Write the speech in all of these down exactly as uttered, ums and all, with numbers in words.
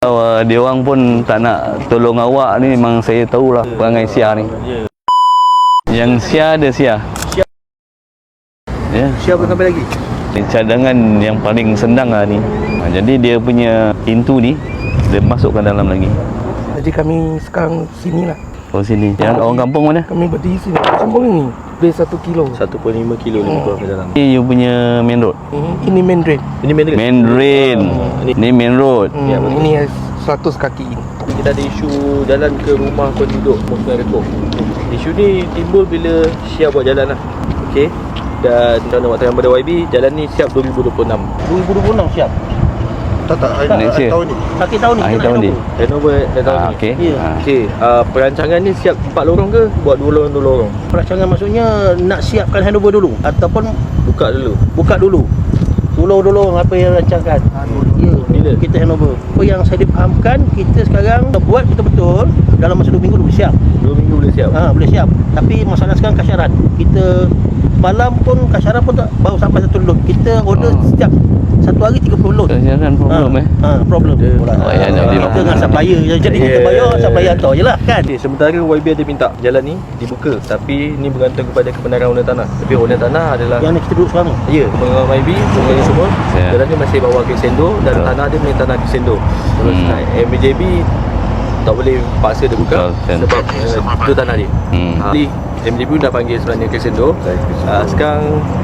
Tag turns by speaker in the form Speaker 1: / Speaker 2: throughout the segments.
Speaker 1: Kalau uh, dia orang pun tak nak tolong awak ni, memang saya tahulah perangai Sia ni. Yang Sia ada Sia. Ya.
Speaker 2: Sia belum sampai lagi.
Speaker 1: Cadangan yang paling senang lah ni. Ha, jadi dia punya pintu ni dia masukkan dalam lagi.
Speaker 2: Jadi kami sekarang sini lah.
Speaker 1: Oh sini. Yang orang kampung mana?
Speaker 2: Kami berdiri sini. Kampung ini lebih satu kilo.
Speaker 3: satu perpuluhan lima kilo lebih kurang ke dalam.
Speaker 1: Ini you punya main road.
Speaker 2: Hmm. Ini main drain.
Speaker 3: Ini main
Speaker 1: Main drain.
Speaker 3: Hmm.
Speaker 1: Ini main road.
Speaker 2: Hmm.
Speaker 3: Ya,
Speaker 2: Ini seratus kaki ini.
Speaker 3: Kita ada isu jalan ke rumah penduduk Sungai Rekong. Isu ni timbul bila Syah buat jalan lah. Okey. Dan dalam waktu yang pada Y B, jalan ni siap dua ribu dua puluh enam.
Speaker 2: dua ribu dua puluh enam siap.
Speaker 3: Tak tak,
Speaker 1: Next year.
Speaker 3: tahun ni.
Speaker 2: Akhir tahun ni.
Speaker 1: Akhir tahun ni.
Speaker 3: Renover dah tahun
Speaker 1: Ah,
Speaker 3: ni.
Speaker 1: okey.
Speaker 2: Ya.
Speaker 1: Ah.
Speaker 3: Okey, uh, perancangan ni siap empat lorong ke? Buat dua lorong dua lorong.
Speaker 2: Perancangan maksudnya nak siapkan handover dulu ataupun
Speaker 3: Buka dulu.
Speaker 2: buka dulu. Dulu-dulu apa yang rancangkan. Ya,
Speaker 3: Bila?
Speaker 2: kita handover. Apa yang saya dipahamkan, kita sekarang buat betul-betul dalam masa dua minggu boleh siap.
Speaker 3: Dua minggu boleh siap.
Speaker 2: Ha, boleh siap. Tapi masalah sekarang kasyaran. Kita malam pun kasyaran pun tak baru sampai satu lot. Kita order
Speaker 1: Oh.
Speaker 2: setiap satu hari tiga puluh lot.
Speaker 1: Kasyaran problem
Speaker 2: ha,
Speaker 1: eh.
Speaker 2: Ha, problem.
Speaker 3: Dia-
Speaker 2: Pula.
Speaker 1: Oh, ya,
Speaker 2: Ha,
Speaker 1: jadi
Speaker 2: kita dengan
Speaker 1: faham.
Speaker 2: supplier. Jadi kita
Speaker 3: Yeah.
Speaker 2: bayar, supplier hantar je lah kan.
Speaker 3: Okay, sementara Y B ada minta jalan ni dibuka, tapi ni bergantung kepada kebenaran owner tanah. Tapi owner tanah adalah
Speaker 2: Yang ni kita duduk sekarang.
Speaker 3: ya, pengeluaran Y B, semua ni semua.
Speaker 1: Ya.
Speaker 3: Jalan ni masih bawa ke Sendo dan
Speaker 1: Betul.
Speaker 3: tanah dia punya tanah ke Sendo. Terus
Speaker 1: Hmm.
Speaker 3: M B J B tak boleh paksa dia buka
Speaker 1: Betul, kan.
Speaker 3: sebab uh, itu tanah dia.
Speaker 1: Hmm.
Speaker 3: Ha, jadi M B J B dah panggil sebenarnya ke Sendo. Uh, sekarang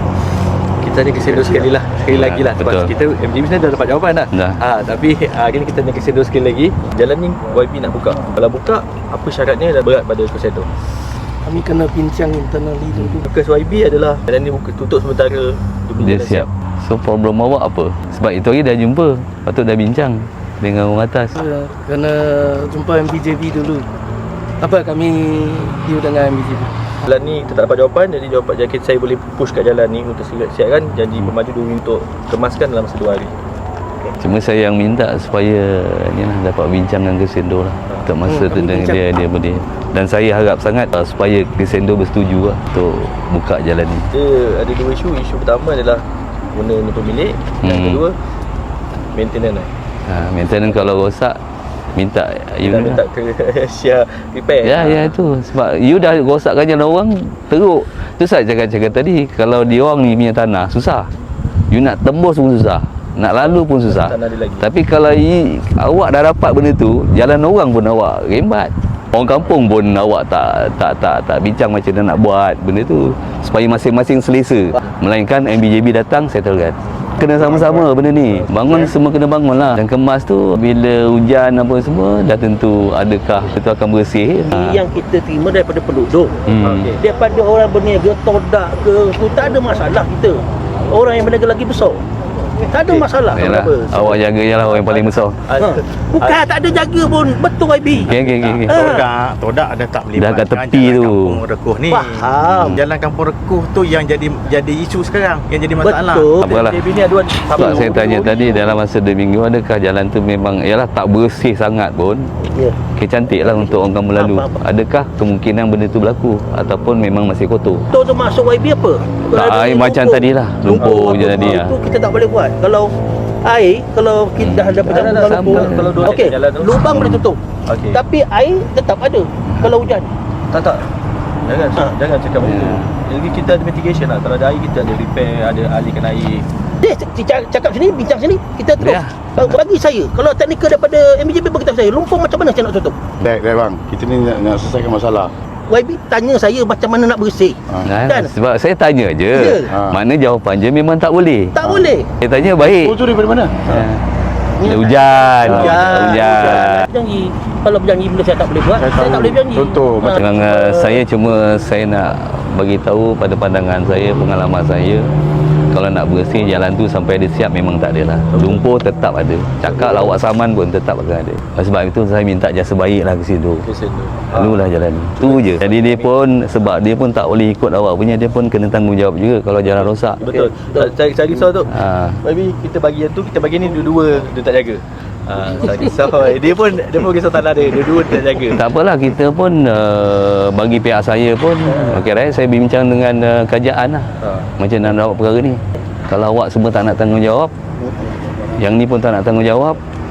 Speaker 3: kita ni ke Sendo sekali lah, sekali
Speaker 1: Ya,
Speaker 3: lagi lah sebab
Speaker 1: betul.
Speaker 3: kita M B J B sebenarnya dah dapat jawapan dah.
Speaker 1: Dah.
Speaker 3: Ha, tapi hari ni kita nak ke Sendo sekali lagi. Jalan ni Y B nak buka. Kalau buka, apa syaratnya dah berat pada ke Sendo.
Speaker 2: Kami kena bincang internally dulu.
Speaker 3: Fokus Y B adalah jalan ni buka, tutup sementara
Speaker 1: Dia siap. So problem awak apa? Sebab itu hari dah jumpa. Patut dah bincang dengan orang atas.
Speaker 2: Ya, kena jumpa M B J B dulu. Apa kami deal dengan M B J B?
Speaker 3: Jalan ni kita tak dapat jawapan, jadi jawapan jadi saya boleh push kat jalan ni untuk siapkan janji pemaju dua minggu untuk kemaskan dalam satu hari.
Speaker 1: Cuma saya yang minta supaya ni lah, dapat bincang dengan Kesendo lah. Untuk masa
Speaker 2: Hmm,
Speaker 1: tu
Speaker 2: kami
Speaker 1: dengan
Speaker 2: bincang.
Speaker 1: dia dia boleh. Dan saya harap sangat uh, supaya Kesendo bersetuju lah untuk buka jalan ni.
Speaker 3: Dia ada dua isu. Isu pertama adalah owner ni pemilik, yang
Speaker 1: Hmm.
Speaker 3: kedua maintenance lah.
Speaker 1: Ha, maintenance kalau rosak minta you
Speaker 3: Kita
Speaker 1: lah.
Speaker 3: minta ke share repair.
Speaker 1: Ya, ya itu. Sebab you dah rosakkan jalan orang, teruk. Tu saya cakap-cakap tadi, kalau dia orang ni punya tanah, susah. You nak tembus pun susah. Nak lalu pun susah.
Speaker 3: Tanah dia lagi.
Speaker 1: Tapi kalau i, awak dah dapat benda tu, jalan orang pun awak rembat. Orang kampung pun awak tak tak tak tak bincang macam mana nak buat benda tu supaya masing-masing selesa. Melainkan M B J B datang settlekan. Kena sama-sama benda ni. Bangun semua kena bangun lah. Dan kemas tu bila hujan apa semua dah tentu adakah itu akan bersih. Ha.
Speaker 2: Yang kita terima daripada penduduk.
Speaker 1: Hmm.
Speaker 3: Okey.
Speaker 2: Daripada orang berniaga todak ke tu tak ada masalah kita. Orang yang berniaga lagi besar. Tak ada masalah.
Speaker 1: Yalah,
Speaker 3: Kenapa?
Speaker 1: awak jaga je lah orang yang paling besar.
Speaker 3: Ah,
Speaker 2: Ha. Bukan tak ada jaga pun. Betul Y B.
Speaker 1: Okey okey okey. okey.
Speaker 2: Ah.
Speaker 4: Todak, todak ada tak
Speaker 1: Dah kat tepi
Speaker 4: jalan
Speaker 1: tu.
Speaker 4: Kampung Rekuh ni.
Speaker 2: Faham.
Speaker 4: Jalan Kampung Rekuh tu yang jadi jadi isu sekarang, yang jadi masalah.
Speaker 2: Betul.
Speaker 1: Tak apalah.
Speaker 3: M B J B ni aduan
Speaker 1: Sebab saya tanya tadi dalam masa dua minggu adakah jalan tu memang ialah tak bersih sangat pun.
Speaker 2: Ya.
Speaker 1: Okay, cantik lah untuk orang kamu lalu.
Speaker 2: Apa, apa.
Speaker 1: Adakah kemungkinan benda tu berlaku ataupun memang masih kotor?
Speaker 2: Tu tu masuk Y B apa? Kalau
Speaker 1: Tak,
Speaker 2: ada
Speaker 1: air macam
Speaker 2: lumpur-
Speaker 1: tadilah. Lumpur je tadi lah.
Speaker 2: Itu kita tak boleh buat. Kalau air, kalau kita dah ada
Speaker 3: Tak, tak, tak,
Speaker 2: lumpur,
Speaker 1: sama.
Speaker 3: Kalau dua
Speaker 2: okey,
Speaker 3: jalan tu.
Speaker 2: lubang boleh tutup.
Speaker 3: Okey.
Speaker 2: Tapi air tetap ada kalau hujan.
Speaker 3: Tak tak. Jangan
Speaker 2: Ha.
Speaker 3: jangan cakap macam tu.
Speaker 1: Ya.
Speaker 3: Jadi kita ada mitigation lah. Kalau ada air kita ada repair, ada alihkan air.
Speaker 2: Dia cakap, cakap sini, bincang sini, kita terus.
Speaker 1: Ya.
Speaker 2: Kalau bagi saya, kalau teknikal daripada M B J B beritahu saya, lumpur macam mana saya nak tutup?
Speaker 5: Dek, dek bang, kita ni nak, nak selesaikan masalah.
Speaker 2: Y B tanya saya macam mana nak bersih.
Speaker 1: Nah,
Speaker 2: Dan
Speaker 1: sebab saya tanya je.
Speaker 2: Ya.
Speaker 1: Ha. Mana jawapan je memang tak boleh.
Speaker 2: tak boleh.
Speaker 1: Saya tanya baik.
Speaker 5: Oh tu daripada mana?
Speaker 1: Ha. Ada hujan.
Speaker 2: Hujan.
Speaker 1: Hujan.
Speaker 2: Janji. Kalau berjanji benda saya tak boleh buat,
Speaker 5: Saya
Speaker 2: saya,
Speaker 5: tahu.
Speaker 2: tak boleh berjanji.
Speaker 5: Contoh,
Speaker 2: Ha.
Speaker 5: macam-
Speaker 1: Memang uh, saya cuma saya nak bagi tahu pada pandangan saya, pengalaman saya, kalau nak bersih jalan tu sampai dia siap memang tak ada lah. Lumpur tetap ada. Cakap lawak saman pun tetap akan ada. Sebab itu saya minta jasa baik lah ke situ.
Speaker 3: Kesan tu.
Speaker 1: Lalulah jalan ni. Tu je. Jadi dia pun sebab dia pun tak boleh ikut awak punya, dia pun kena tanggungjawab juga kalau jalan rosak.
Speaker 3: Betul. Tak cari cari risau tu.
Speaker 1: Ha.
Speaker 3: Maybe kita bagi yang tu, kita bagi ni dua-dua dia tak jaga. Ah, tak risau. Dia pun dia pun risau tanah dia, dua-dua dia tak jaga.
Speaker 1: Tak apalah, kita pun uh, bagi pihak saya pun okey right, saya bincang dengan uh, kerajaan lah.
Speaker 3: Ha.
Speaker 1: Macam mana nak buat perkara ni. Kalau awak semua tak nak tanggungjawab, yang ni pun tak nak tanggungjawab,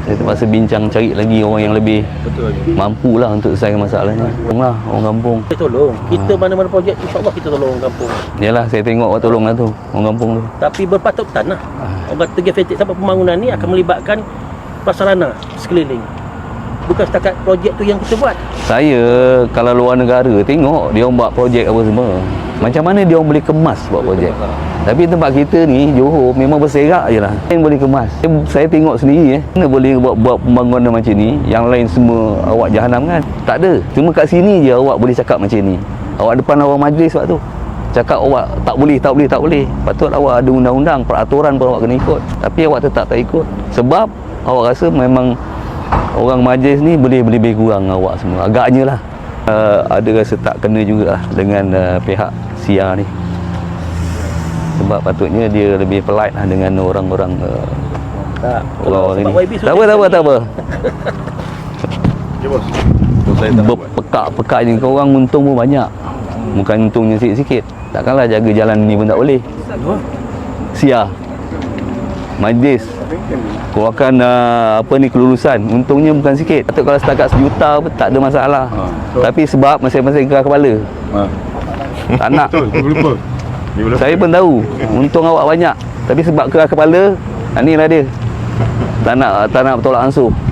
Speaker 1: Saya terpaksa bincang cari lagi orang yang lebih
Speaker 3: Betul.
Speaker 1: mampu lah untuk selesaikan masalahnya. Tolonglah orang kampung.
Speaker 2: Kita tolong. Kita mana-mana projek, insya-Allah kita tolong orang kampung.
Speaker 1: Yalah, saya tengok awak tolong lah tu orang kampung tu.
Speaker 2: Tapi berpatut-patan lah. Orang kata geofetik sampai pembangunan ni akan melibatkan prasarana sekeliling. Bukan setakat projek tu yang kita buat.
Speaker 1: Saya kalau luar negara tengok dia orang buat projek apa semua. Macam mana dia orang boleh kemas buat projek. Tapi tempat kita ni Johor memang berserak je lah. Yang boleh kemas. Saya, saya tengok sendiri eh. Mana boleh buat buat pembangunan macam ni. Yang lain semua awak jahanam kan. Tak ada. Cuma kat sini je awak boleh cakap macam ni. Awak depan orang majlis waktu tu cakap awak tak boleh, tak boleh, tak boleh. Patut awak ada undang-undang, peraturan pun awak kena ikut. Tapi awak tetap tak ikut. Sebab awak rasa memang orang majlis ni boleh lebih kurang awak semua. Agaknya lah. Uh, ada rasa tak kena juga lah dengan uh, pihak S I A ni. Sebab patutnya dia lebih polite lah dengan orang-orang uh,
Speaker 2: Tak.
Speaker 1: orang-orang
Speaker 2: Sebab
Speaker 1: ni.
Speaker 2: Y B
Speaker 1: Tak apa, tak apa, tak apa.
Speaker 5: Okay, bos. Bos saya tak nak buat.
Speaker 1: Berpekak-pekak je kau orang untung pun banyak. Bukan untungnya sikit-sikit. Takkanlah jaga jalan ni pun tak boleh. S I A Majlis keluarkan uh, apa ni kelulusan, untungnya bukan sikit. Patut kalau setakat sejuta pun tak ada masalah.
Speaker 5: Ha, so-
Speaker 1: Tapi sebab masing-masing keras kepala.
Speaker 5: Ha.
Speaker 1: Tak nak.
Speaker 5: Betul, dia lupa. Dia lupa.
Speaker 1: Saya pun tahu untung awak banyak. Tapi sebab keras kepala, inilah dia. Tak nak tak nak bertolak ansur.